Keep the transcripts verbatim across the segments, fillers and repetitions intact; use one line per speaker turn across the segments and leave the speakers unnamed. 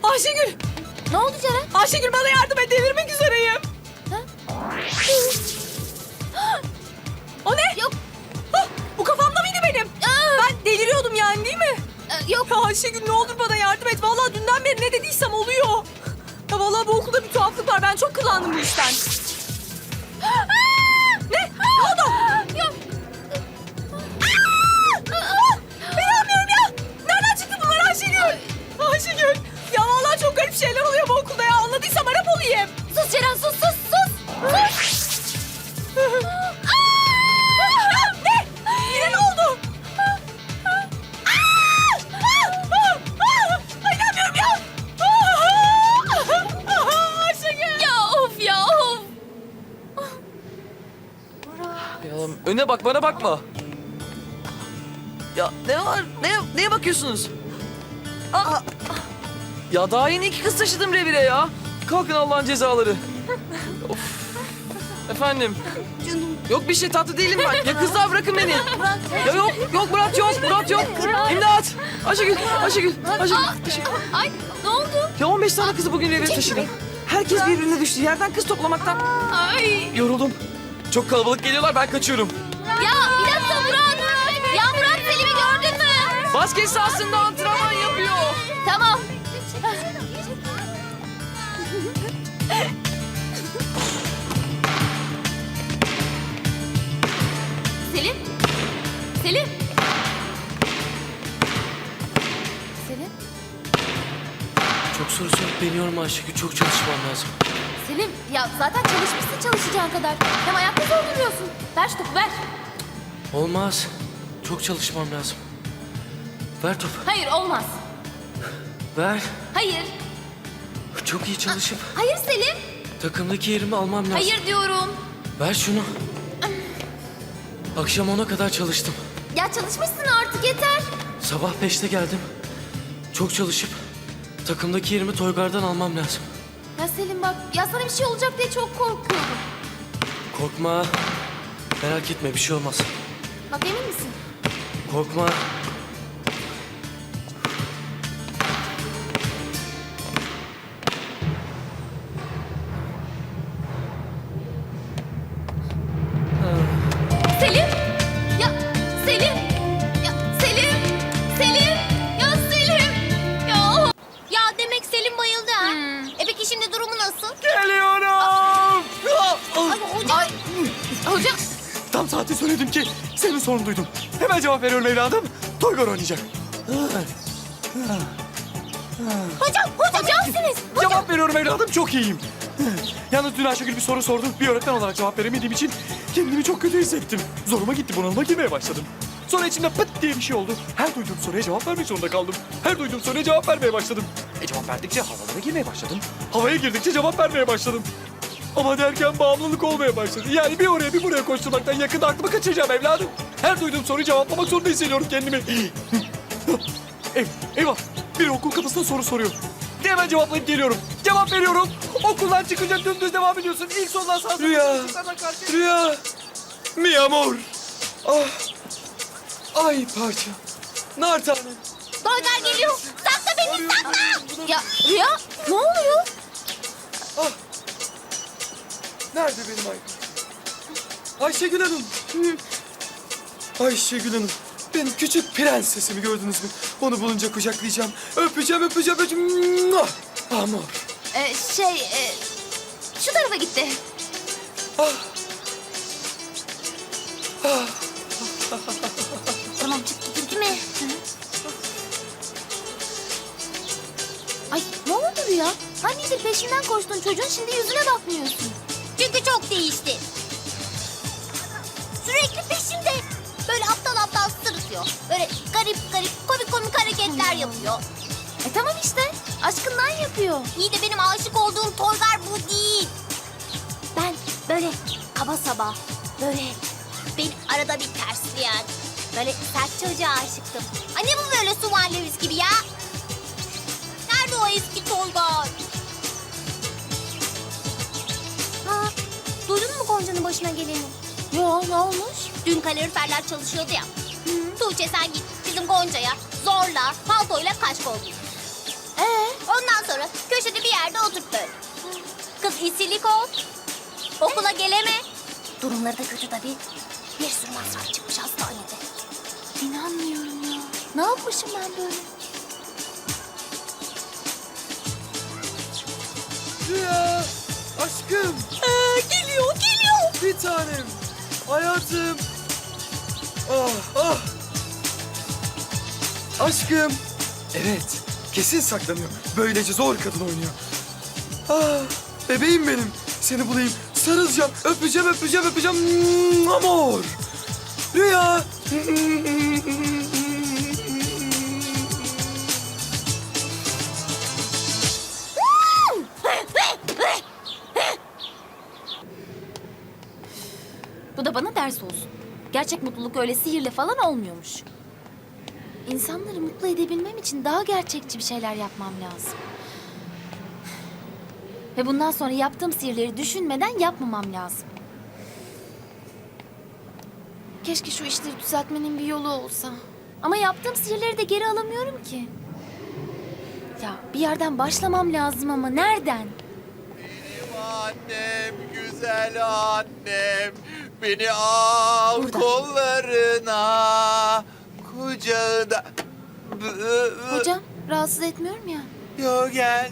Ayşegül!
Ne oldu Ceren?
Ayşegül bana yardım et, delirmek üzereyim.
Ha?
O ne?
Yok.
Hah, bu kafamda mıydı benim?
Aa!
Ben deliriyordum yani değil mi?
Ee, yok.
Ya Ayşegül ne olur bana yardım et. Vallahi dünden beri ne dediysem oluyor. Ya vallahi bu okulda bir tuhaflık var. Ben çok kullandım bu işten. Ne? Ne oldu?
Yok.
İnanmıyorum ya. Nereden çıktı bunlar Ayşegül? Ayşegül. Ya vallahi çok garip şeyler oluyor bu okulda ya. Anladıysam Arap olayım.
Sus Ceren, sus sus sus. Sus.
Ne? Yine ne oldu? Ay, İnanmıyorum ya. Ayşegül.
Ya of ya of.
Ya öne bak, bana bakma. Ya ne var? Ne, neye bakıyorsunuz? Aa! Ya daha yeni iki kız taşıdım revire ya. Kalkın Allah'ın cezaları. Of. Efendim.
Canım.
Yok bir şey, tatlı değilim ben. Ya kızlar bırakın beni. Ya yok, yok Murat yok, Murat yok. İmdat. Ayşegül, Ayşegül, Ayşegül. Ayşegül.
Ay ne oldu?
Ya on beş tane kızı bugün revire taşıdım. Herkes birbirine düştü. Yerden kız toplamaktan.
Ay.
Yoruldum. Çok kalabalık geliyorlar, ben kaçıyorum.
Ya bir dakika Murat. Ya Murat Selim'i gördün mü?
Basket sahasında antrenman yapıyor.
Tamam. Selim? Selim? Selim?
Çok soru sorup beniyorum Ayşegül. Çok çalışmam lazım.
Selim ya zaten çalışmışsın çalışacağın kadar. Hem ayakta zor duruyorsun. Ver şu topu ver.
Olmaz. Çok çalışmam lazım. Ver topu.
Hayır olmaz.
Ver.
Hayır.
Çok iyi çalışıp
Hayır Selim.
takımdaki yerimi almam lazım.
Hayır diyorum.
Ver şunu. Akşam ona kadar çalıştım.
Ya çalışmışsın artık yeter.
Sabah beşte geldim. Çok çalışıp takımdaki yerimi Toygar'dan almam lazım.
Ya Selim bak ya sana bir şey olacak diye çok korkuyorum.
Korkma. Merak etme, bir şey olmaz.
Bak emin misin?
Korkma.
Selim! Ya Selim! Ya Selim! Selim! Ya Selim! Ya Ya demek Selim bayıldı ha? E peki şimdi durumu nasıl?
Geliyorum.
Ay hocam! Ay, hocam!
Tam saati söyledim ki senin sorunu duydum. Hemen cevap veriyorum evladım. Toygar oynayacak.
Hocam! Hocam iyisiniz! Hocam!
Cevap veriyorum evladım, çok iyiyim. Yalnız dün Ayşegül bir soru sordu. Bir öğretmen olarak cevap veremediğim için kendimi çok kötü hissettim. Zoruma gitti, bunalıma girmeye başladım. Sonra içimde pıt diye bir şey oldu. Her duyduğum soruya cevap vermek zorunda kaldım. Her duyduğum soruya cevap vermeye başladım. E cevap verdikçe havalara girmeye başladım. Havaya girdikçe cevap vermeye başladım. Ama derken bağımlılık olmaya başladı. Yani bir oraya bir buraya koşturmaktan yakında aklımı kaçıracağım evladım. Her duyduğum soruyu cevaplamak zorunda hissediyorum kendimi. Ev, eyvah. Biri okul kapısında soru soruyor. De hemen cevaplayıp geliyorum. Cevap veriyorum. Okuldan çıkınca dümdüz devam ediyorsun. İlk sondan sağ
Rüya. Rüya. Mi amor. Ah. Ay parça. Nar tanem.
Toygar geliyor! Sakla beni sakla! Ya Rüya ne oluyor?
Ah. Nerede benim ay? Ayşegül Hanım. Ayşegül Hanım. Benim küçük prensesimi gördünüz mü? Onu bulunca kucaklayacağım. Öpeceğim, öpeceğim, öpeceğim. Muah! Amor.
Ee, şey e, şu tarafa gitti.
Ah.
Tamam çıktı gitti mi? Ay ne oldu Rüya? Hangidir peşinden koştun çocuğun şimdi yüzüne bakmıyorsun. Çünkü çok değişti. Sürekli peşimde. Böyle aptal aptal sırıtıyor. Böyle garip garip komik komik hareketler yapıyor. E tamam işte aşkından yapıyor. İyi de benim aşık olduğum Toygar bu değil. Ben böyle kaba saba böyle beni arada bir tersleyen böyle sert çocuğa aşıktım. Anne bu böyle Suvan Lewis gibi ya. Nerede o eski Toygar? Ha, duydun mu Gonca'nın başına geleni? Yo ne olmuş? Dün kaloriferler çalışıyordu ya. Hı. Tuğçe sen git bizim Gonca'ya zorla paltoyla kaş kol giy. Ee? Ondan sonra yerde oturt böyle. Kız isilik ol. Okula geleme. Durumları da kötü tabii. Bir sürü masraf çıkmış hastanede.
İnanmıyorum ya.
Ne yapmışım ben böyle?
Rüya, aşkım,
Ee, geliyor geliyor.
bir tanem, hayatım. Ah, ah.
Aşkım. Evet. Kesin saklanıyor. Böylece zor kadın oynuyor. Ah, bebeğim benim. Seni bulayım. Sarılacağım. Öpeceğim, öpeceğim, öpeceğim. Mm, Amor. Rüya.
Bu da bana ders olsun. Gerçek mutluluk öyle sihirle falan olmuyormuş. İnsanları mutlu edebilmem için daha gerçekçi bir şeyler yapmam lazım. Ve bundan sonra yaptığım sihirleri düşünmeden yapmamam lazım. Keşke şu işleri düzeltmenin bir yolu olsa. Ama yaptığım sihirleri de geri alamıyorum ki. Ya bir yerden başlamam lazım ama nereden?
Annem, güzel annem, beni al
Burada.
kollarına, kucağında.
Hocam rahatsız etmiyorum ya.
Yo gel.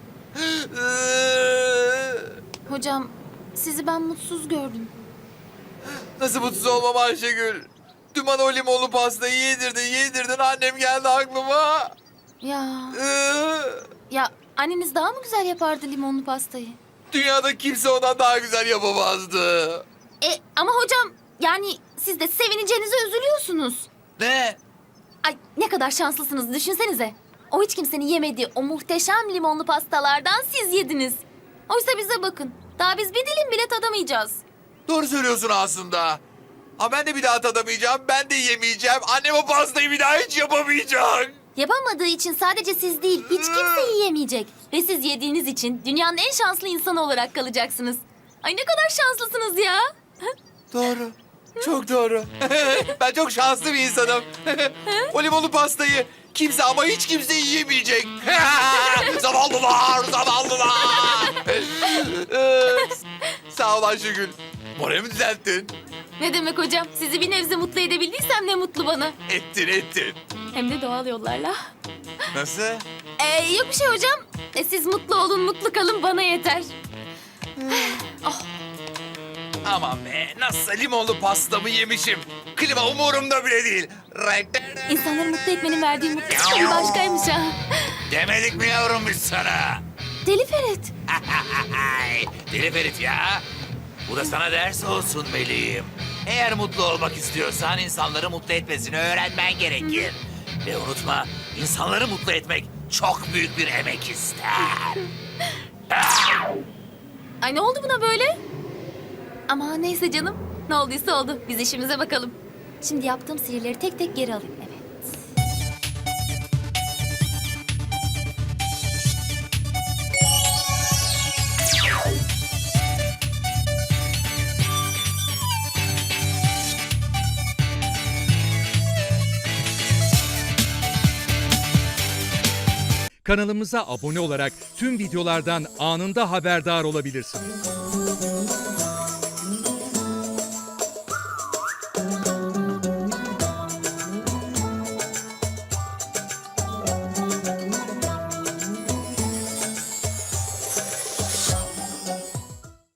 Hocam sizi ben mutsuz gördüm.
Nasıl mutsuz olmam Ayşegül? Dün bana o limonlu pastayı yedirdin, yedirdin. Annem geldi aklıma.
Ya ya anneniz daha mı güzel yapardı limonlu pastayı?
Dünyada kimse ondan daha güzel yapamazdı.
E ama hocam yani siz de sevineceğinize üzülüyorsunuz.
Ne?
Ay ne kadar şanslısınız düşünsenize. O hiç kimsenin yemediği o muhteşem limonlu pastalardan siz yediniz. Oysa bize bakın. Daha biz bir dilim bile tadamayacağız.
Doğru söylüyorsun aslında. Ama ben de bir daha tadamayacağım, ben de yemeyeceğim. Annem o pastayı bir daha hiç yapamayacak.
Yapamadığı için sadece siz değil hiç kimse yiyemeyecek. Ve siz yediğiniz için dünyanın en şanslı insanı olarak kalacaksınız. Ay ne kadar şanslısınız ya.
Doğru. Çok doğru. Ben çok şanslı bir insanım. O limonlu pastayı kimse ama hiç kimse yiyemeyecek. Zavallılar, zavallılar. Ee, Sağ ol Ayşegül. Moralimi düzelttin.
Ne demek hocam? Sizi bir nebze mutlu edebildiysem ne mutlu bana.
Ettin, ettin.
Hem de doğal yollarla.
Nasıl?
Ee, yok bir şey hocam. E, siz mutlu olun, mutlu kalın bana yeter.
Aman be, nasıl limonlu pastamı yemişim. Klima umurumda bile değil.
İnsanları mutlu etmenin verdiği mutluluk bir başkaymış ha.
Demedik mi yavrum biz sana?
Deli Ferit.
Deli Ferit ya. Bu da sana ders olsun meleğim. Eğer mutlu olmak istiyorsan insanları mutlu etmesini öğrenmen gerekir. Ve unutma, insanları mutlu etmek çok büyük bir emek ister.
Ay ne oldu buna böyle? Ama neyse canım. Ne olduysa oldu. Biz işimize bakalım. Şimdi yaptığım sihirleri tek tek geri alayım. Evet.
Kanalımıza abone olarak tüm videolardan anında haberdar olabilirsiniz.